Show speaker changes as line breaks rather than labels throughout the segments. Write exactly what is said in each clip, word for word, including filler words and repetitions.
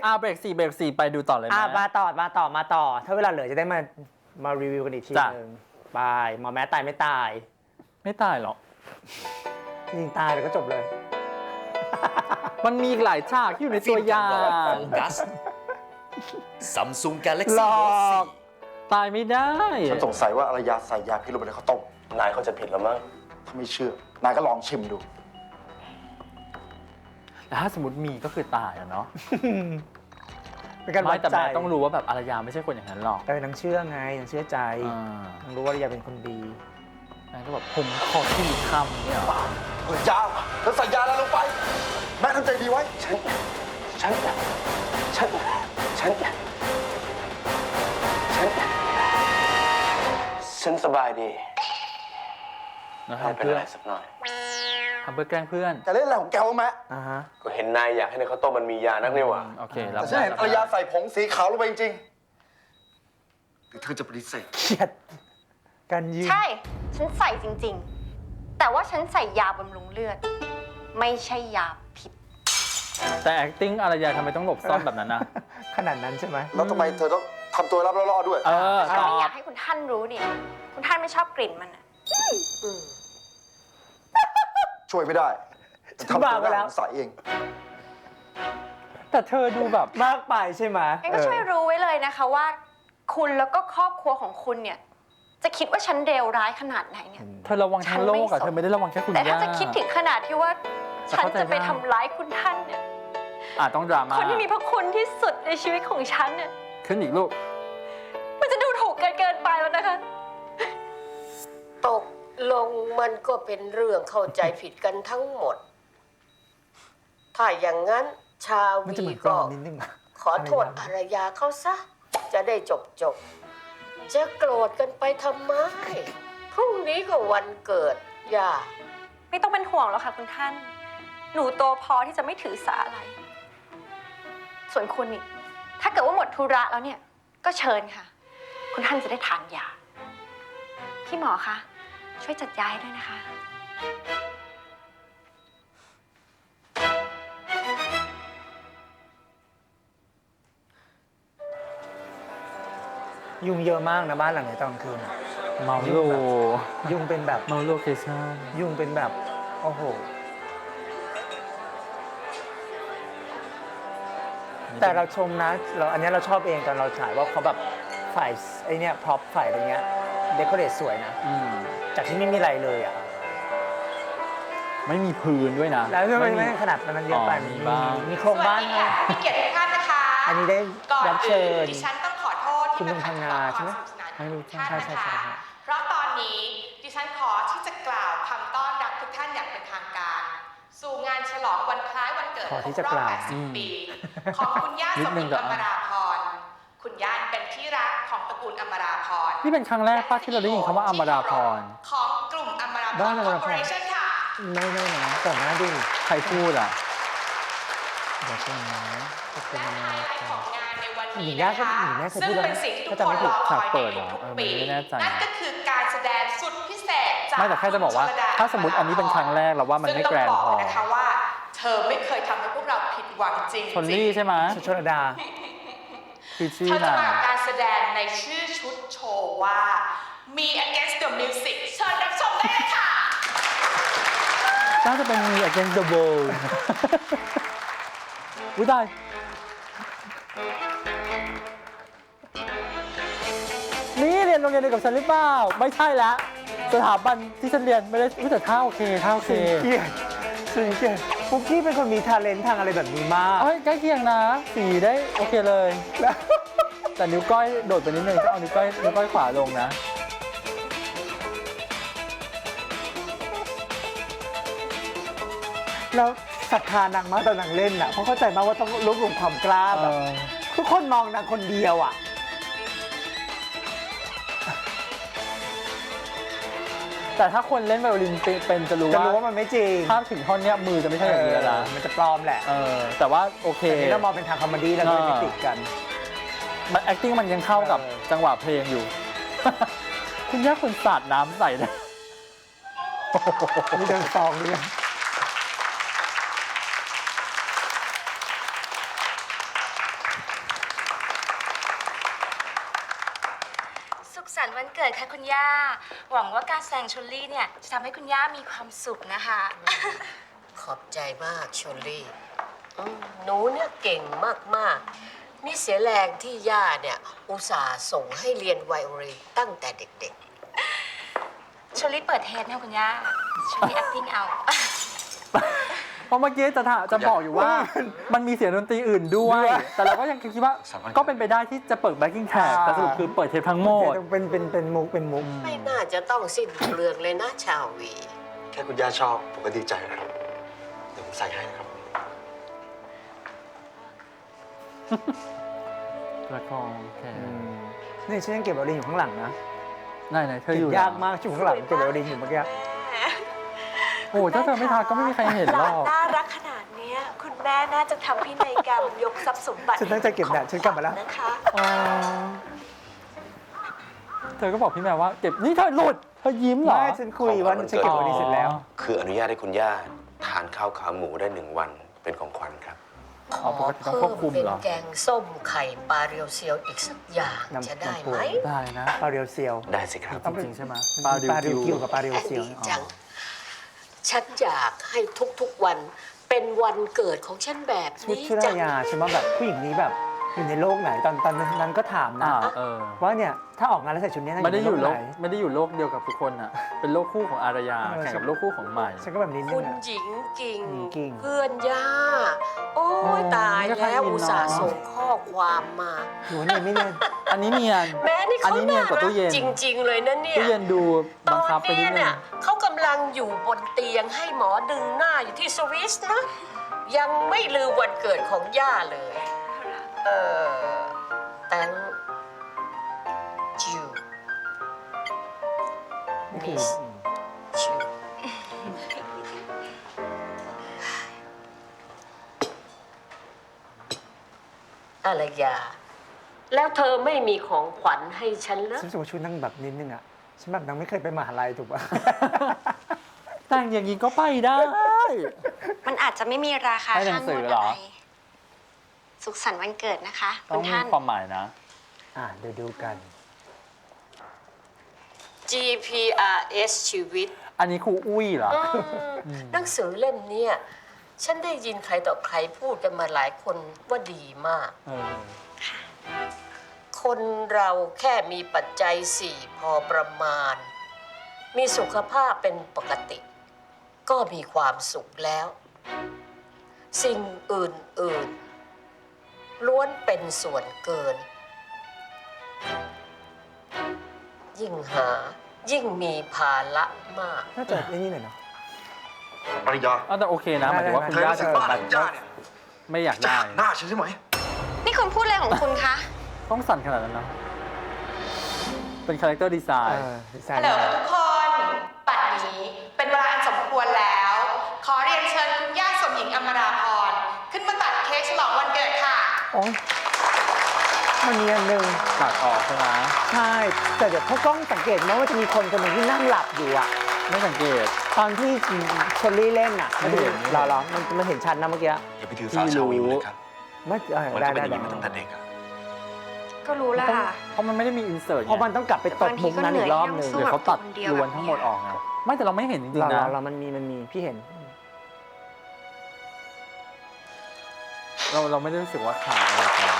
อ่าเบรกสี่เบรกสี่ไปดูต่อเลยไหม
อ่ะมาต่อมาต่อมาต่อถ้าเวลาเหลือจะได้มามารีวิวกันอีกที
จ้ะ
นึงไปหมอแม้ตายไม่ตาย
ไม่ตายหรอก
จริงๆตายแล้วก็จบเลย
มันมีอีกหลายฉากที่อยู่ในตัวอย่าง
โฟกัส Samsung
ห
Galaxy
ล
Note
อก
สี่
ตายไม่ได้
ฉันสงสัยว่าอารยาใส่ยาพิษลงไปในข้าวต้ม
นายเขาจะผิดแล้วมั้ง
ถ้าไม่เชื่อ นายก็ลองชิมดู
แต่ถ้าสมมติมีก็คือตายอะเนาะ
เป็นการวั
ไม่
ด
แต่
ใจ
แม่ต้องรู้ว่าแบบอารยาไม่ใช่คนอย่างนั้นหรอก
แต่นางเชื่อไงนางเชื่อใจ
อ่าน
างรู้ว่าอารยาเป็นคนดี
นางก็แบบผมขอสี่คำเนี่ยเหรอ
เฮ้ยยาเธอใส่ยาอะไรลงไป แม่ทำใจดีไว้
ฉัน ฉัน ฉัน ฉัน ฉัน ฉันสบายดี
นะ
ไม่
ทำ
เป็น
เพื่อ
ไรสักหน่อย
ทำเพื่อแกล้งเพื่อน
แต่เล่นอะไรของแกวะแม่
อ่าฮะ
ก็เห็นนายอยากให้ในข้าวต้มมันมียานักนี่หว่า
โอเครับ
แต่ฉันเห็นอารยาใส่ผงสีขาวลงไปจริงๆหรือเธอจะปฏิเสธ
เครียดการยืน
ใช่ ฉันใส่จริงๆ แต่ว่าฉันใส่ยาบำรุงเลือด ไม่ใช่ยาพิษ
แต่ acting อารยาทำไมต้องหลบซ่อนแบบนั้นนะ
ขนาดนั้นใช่ไหม
แล้วทำไมเธอต้องทำตัวรับล่อๆด้วย
เออ
ฉัน
ตอ
ไม่อยา
บ
กให้คุณท่านรู้เนี่ย คุณท่านไม่ชอบกลิ่นมันอะ
ช่วยไม่ได้แต่ทำตัวน่าสงสัยเอง
แต่เธอดูแบบ
มากไปใช่ไหม
งั้นก็ช่วยรู้ไว้เลยนะคะว่า คุณแล้วก็ครอบครัวของคุณเนี่ย จะคิดว่าฉันเลวร้ายขนาดไหนเนี่ย
เธอระวังทั้งโลกอะ
ฉันไม่สน
เธอไม่ได้ระวังแค่คุณ
แต่ถ้า
ย่า
จะคิดถึงขนาดที่ว่า
แต่
ฉัน
เข้าใจ
จะไป
ได้
ทำร้ายคุณท่านเนี่ย
อ่ะต้องดราม่า
คนที่มีพระคุณที่สุดในชีวิตของฉันเนี่ย
ขึ้นอีกลูก
มันจะดูถูกเกินเกินไปแล้วนะคะ
ตกลงมันก็เป็นเรื่องเข้าใจผิดกันทั้งหมด ถ้าอย่างนั้นชา
มัน
วี
จะเหมือนกร
ก็
อนนิดนึงอะ
ขอโทษอารยาเขาซะ จะได้จบจบ จะโกรธกันไปทำไม พรุ่งนี้ก็วันเกิด ย่า
ไม่ต้องเป็นห่วงหรอกค่ะคุณท่าน หนูโตพอที่จะไม่ถือสาอะไร ส่วนคุณนี่ ถ้าเกิดว่าหมดธุระแล้วเนี่ย ก็เชิญค่ะ คุณท่านจะได้ทานยา พี่หมอคะ ช่วยจัดยาให้ด้วยนะคะ
ยุงเยอะมากนะบ้านหลังนี้ตอนกลางคืนอะ
เมาโล
ยุงเป็นแบบ
เมาโลเคชั่น
ยุงเป็นแบบ โอ้โห แต่เราชมนะ เราอันนี้เราชอบเองตอนเราฉายว่าเขาแบบฝ่ายไอเนี้ยพร็อพฝ่ายอะไรเงี้ยเดคอเรทสวยนะ
อืม
จากที่ไม่มีอะไรเลยอ่ะ
ไม่มีพื้นด้วยนะ
แล้วทำไม
มี
ไม่ขนาดนั้นเยอะไป
อ๋อมีบ้าง
มีโครงบ้านให้
มีเกียรติทุกท่านนะคะ
อันนี้ได้
ก่อน
รับเชิ
อื่น
ญ
ดิฉันต้องขอโทษ
คุณ
ที่
ลุงพังงาใช่ไหม
ไม่
ไม่รู้
ท่าน
ใช่ใช่
นะ
ใช่
คะ
ใช่
เพราะตอนนี้ดิฉันขอที่จะกล่าวคำต้อนรับทุกท่านอย่างเป็นทางการ สู่งานฉลองวันคล้ายวันเกิด
ขอที่
คร
จะ
บร
ก
อบ
ล่าว
แปดสิบ ปี ของคุณย่า
นิ
ส
ด
ม
นึ
จิ
ง
ต
เดี๋ยว
อมราพร คุณย่าเป็นที่รักของตระกูลอมราพร
นี่เป็นครั้งแรกป้าที่เราได้ยินคำว่าอมราพร
ของกลุ่มอมราพ
บ้าร นอม
คอ
รา
ร์
พ
ป
ร
อเรชั่นค่ะ
ไม่ไม่นะก่อนหน้าดิ
ใครพูดอ่ะ
เดี๋ยวก่อนนะก็คือ
และ
มา
ไฮไลท์ของงานในวัน
หญิ
นี้
งย่า
นะ
ก็
คะ
หญิงย่าเคย
ซึ่
พู
ง
ดแล้ว
เป็นสิ่งที่ทุก
ถ้า
ค
จำไม่
น
ผิ
ร
ด
อค
ฉาก
อย
เปิ
ใน
ดเหรอ
ทุก
เออ
ๆปี
ไม่แน่ใจ
นั่นก็คือการแสดงสุดพิเศษจาก
ไม่แต่แค่จะบอกว่า
คุณชลด
ถ้าสมมติอันนี้เป็นครั้งแรกเราว่ามันไม่แกรนด์พอ
ซึ่งต้องบอกนะคะว่า เธอไม่เคยทำให้พวกเราผิดหวังจริงๆ
ชนลี่ใช่ไหม
ชชนดา
คือชื่อ
เธอจะ
นาง
มาการแสดงในชื่อชุดโชว์ว่า Me Against the Music เชิญรับชมได้เลยค่ะ
น่าจะเป็นมี against the world อุ้ยตายนี่เรียนโรงเรียนเดียวกับฉันหรือเปล่า ไม่ใช่แล้วสถาบันที่ฉันเรียนไม่ได้อุ๊ยแต่ท่าโอเคท่าโอเค
เกียรติสุดเกียรติปุ๊กกี้เป็นคนมีทาเลนต์ทางอะไรแบบนี้มาก
เอ้ยใกล้เคียงนะ สีได้โอเคเลย แต่นิ้วก้อยโดดไปนิดนึงก็เอานิ้วก้อยนิ้วก้อยขวาลงนะ
แล้วศรัทธานางมากตอนนางเล่นอ่ะเพราะเข้าใจมากว่าต้องรวบรวมความกล้า
เอ
แบบ
อ
ทุกคนมองนางคนเดียวอ่ะ
แต่ถ้าคนเล่นไวโอลินเป็นจะรู้
จะ
ว่า
รู้ว่ามันไม่จริง
ภาพถึงท่อนเนี้ยมือจะไม่ใช่อย่างนี้แล้วนะ
เออมันจะปลอมแหละ
เออแต่ว่าโอเค
แต่นี่เรามองเป็นทางคอมเมดี้แล้วก็เลยไม่ติดกัน
มัน acting มันยังเข้ากับ
เออ
จังหวะเพลงอยู่ คุณย่าคุณสาดน้ำใส่นะ
มีเดินฟองด้วย
สันต์วันเกิดค่ะคุณย่า หวังว่าการแสดงชลลี่เนี่ยจะทำให้คุณย่ามีความสุขนะคะ
ขอบใจมากชลลี่อืมหนูเนี่ยเก่งมากๆนี่เสียแรงที่ย่าเนี่ย อุตส่าห์ส่งให้เรียนไวโอลินตั้งแต่เด็ก
ชลลี่เปิดเทปนะคุณย่า ชลลี่ acting เอา
เพราะเมื่อกี้จะถาจะบอกอยู่ว่า มันมีเสียงดนตรีอื่นด้วย แต่เราก็ยังคิดว่าก็เป็นไปได้ที่จะเปิด backing track แต่สรุปคือเปิดเทปทั้งหมด
เป็นเป็นเป็นมุกเป็นมุก
ๆ ไม่น่าจะต้องสิ้นเปลืองเลยนะชาววี
แค่คุณย่าชอบ ผมก็ดีใจแล้วครับ เดี๋ยวผมใส่ให้นะครับ
ละครแค่
นี่ฉันยังเก็บไวโอลินอยู่ข้างหลังนะ
ไหนไหนๆเธอ
เก็
อยู่
บยากมากอยู่ข้างหลังเก็บไวโอลินอยู่เมื่อกี้
โอ้ถ้าเธอไม่ทาก็ไม่มีใครเห็นหรอก
น่ารักขนาดนี้คุณแม่น่าจะทำพินัยกรรมยกทรัพย์สมบัติ
ฉันตั้งใจเก็บแดดฉันกลับมาแล้ว
นะคะ
อ๋อเธอก็บอกพี่แมวว่าเก็บนี่เธอหลุดเธอยิ้มเหรอ
ไม่ฉันคุยว่าฉันเก็บไวโอลินเสร็จแล้ว
คืออนุญาตให้คุณย่าทานข้าวขาหมูได้หนึ่งวันเป็นของขวัญครับ
ข
อ๋อ
อ
ปกติต้อง
เพิ่
ควบ
ม
คุม
เป็น
เหรอ
แกงส้มไข่ปลาเรียวเซียวอีกสักอย่าง
น้ำ
จะได้
น้ำปู
ไหม
ได้นะ
ปลาเรียวเซียว
ได้สิครับ
จริงๆใช่ไหม
ปลาริวกิวกับปลาเรียวเซียว
ดีจัง ฉันอยากให้ทุกๆวันเป็นวันเกิดของฉันแบบ
ชุด
นี้
ชุด
จั
ราง ยาฉันว่าแบบผู้หญิงนี้แบบอยู่ในโลกไหนตอนตอนนั้นก็ถามนะ
อ่าเออ
ว่าเนี่ยถ้าออกงานแล้วใส่ชุดนี้น่า
ไม่ได้อยู่
ใน
โล
โล
ก
กไหน
ไม่ได้อยู่โลกเดียวกับทุกคนอ่ะ เป็นโลกคู่ของอารยา
เออ
แข่งกับโลกคู่ของใหม่
ฉันก็แบบนี้นึ
คุ
ง
ณ
อะ
หญิงกิ่ง
หญิงกิ่ง
เพื่อนย่า โอ้
อ๋อย
ตาย
ไม่ค่อย
แล้ว
อิน
อุตส่าห์
เนอะ
ส่งข้อความมา
หรือว่าเนี่ยไม่เนี่ย
อันนี้เนียน
แม้นี่
อัน
เขา
นี้เนียนกว่าตู้เย็น
จริง ๆ เลยนะเนี่ย
ตู้เย็นดู
ต
บัง
อน
คับไปนิ
เนี้
ดนึ
เนี่
ง
ยเขากำลังอยู่บนเตียงให้หมอดึงหน้าอยู่ที่สวิสนะ ยังไม่ลืมวันเกิดของย่าเลย เออ thank you
นี่คือ
miss you อะไรยา แล้วเธอไม่มีของขวัญให้ฉันเหรอ
ฉันรู้สึกว่าชุดนั่งแบบนิดนึงอะฉันแบบนั่งไม่เคยไปมหาลัยถูกป่ะ
แต่งอย่างนี้ก็ไปได้
มันอาจจะไม่มีราคา
ให้หนั
ค่าง ง
สื
ว
อ
ด
เหรอ
อะไรสุขสันต์วันเกิดนะคะ
ต้
คุ
อง
ณ
มี
ท่าน
ความหมายนะ
อ่าเดี๋ยวดูกัน
จี พี อาร์ เอส ชีวิต
อันนี้ครูอุ้ยเหรอ
อืมหนังสือเล่มเนี้ยฉันได้ยินใครต่อใครพูดกันมาหลายคนว่าดีมาก
เออ
คนเราแค่มีปัจจัยสี่พอประมาณ มีสุขภาพเป็นปกติ ก็มีความสุขแล้ว สิ่งอื่นๆ ล้วนเป็นส่วนเกิน ยิ่งหายิ่งมีภาระมาก
น่าจะไอ้นี่หน่อยเนาะ
ปริยา
เอาแต่โอเคนะหมายถึงว่า
ได้
คุณ
เธอย่
า
รู้สึ
จะ
กบ้าของย่าเนี่ย
ไม่อยาก
จะ
ได้
หักหน้าฉันใช่ไหม
นี่คุณพูดอะไรของคุณคะ
ต้องสั่นขนาดนั้นนะเป็นคาแรคเตอร์ดีไซ
เอ
น์
อดีไซ
ฮัล
น์
โหลทุกคน บัดนี้เป็นเวลาอันสมควรแล้ว ขอเรียนเชิญคุณย่าสมหญิงอมราพรขึ้นมาตัดเค้กฉลองวันเกิดค่ะ
โอ๊ยมันมีอันหนึ่ง
ตัดออกใช่ไหม
ใช่ แต่เดี๋ยวเขากล้องสังเกตไหมว่าจะมีคนคนหนึ่งที่นั่งหลับอยู่อะ
ไม่สังเกต
ตอนที่ชลลี่เล่นอะมันจะ
ไม่เห็น
รอรอมันมันเห็นชัดนะเมื่อกี้
อย่าไปถือสาชาววิวเลยครับ
ไม่เออ
มัน
ได้
ก็เป็น
ได้
อย่าง
ได้
นี้มาตั้งแต่เด็กอะ
ก็รู้แล้วค่ะ
เพราะมันไม่ได้มีอินเสิร์ต
เพราะมันต้องกลับไปตบมุกนั้นอีกรอบหนึ่ง
หรือเขาตัดล้วนทั้งหมดออกไงไม่แต่เราไม่เห็นจริง
รอ
ๆ
ร
นะ
อรอมันมีมันมีพี่เห็น
เราเราไม่ได้รู้สึกว่าขาดอะไรไป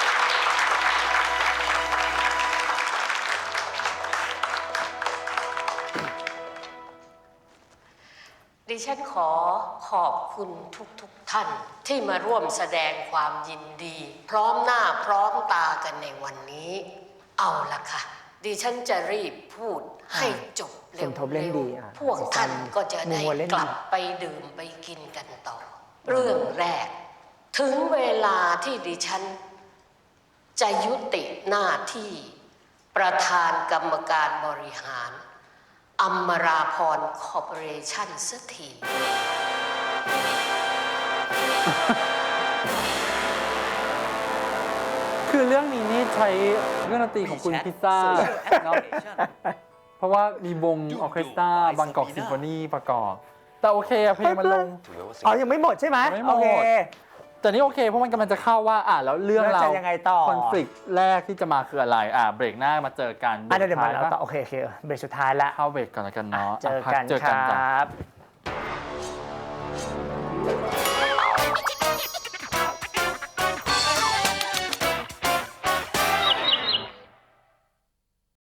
ดิฉันขอขอบคุณทุกๆทท่านที่มาร่วมแสดงความยินดี พร้อมหน้าพร้อมตากันในวันนี้ เอาละค่ะ ดิฉันจะรีบพูดให้จบเร็
สมทบเล่นดีอ่ะ
ๆพวกท่านก็จะได้
มีวัวเล่นดี
กลับไปดื่มไปกินกันต่อ เรื่องแรก ถึงเวลาที่ดิฉัน จะยุติหน้าที่ประธานกรรมการบริหารอมราพรคอร์ปอเรชั่นสักที
คือเรื่องนี้นี่ใช้เครื่องดนตรีของคุณพิซซ่าเนาะเพราะว่ามีวงออร์เคสตราบางกอกซิมโฟนีประกอบ แต่โอเคอะเพลงมันลง
ถือว่าสิ่ง
อ๋อยังไม่หมดใช่ไหม
ยังไม่หมด
โอเค
แต่นี่โอเคเพราะมันกำลังจะเข้าว่าอ่ะแล้วเรื่อง
แล้ว
เรา
จะยังไงต่อ
คอนฟ lict แรกที่จะมาคืออะไรอ่ะเบรกหน้ามาเจอกัน
อ่ะเดี๋ยว
บร
มาก
ท้
เรา
ย
ต่อ
ปะ
โอเคโอเคเบรกสุดท้ายละ
เข้าเบรกก่อนแล้วกันเนาะ
เจอ
พั
กัน
เจอ
ค
กัน
ร
จ้ะ
ับ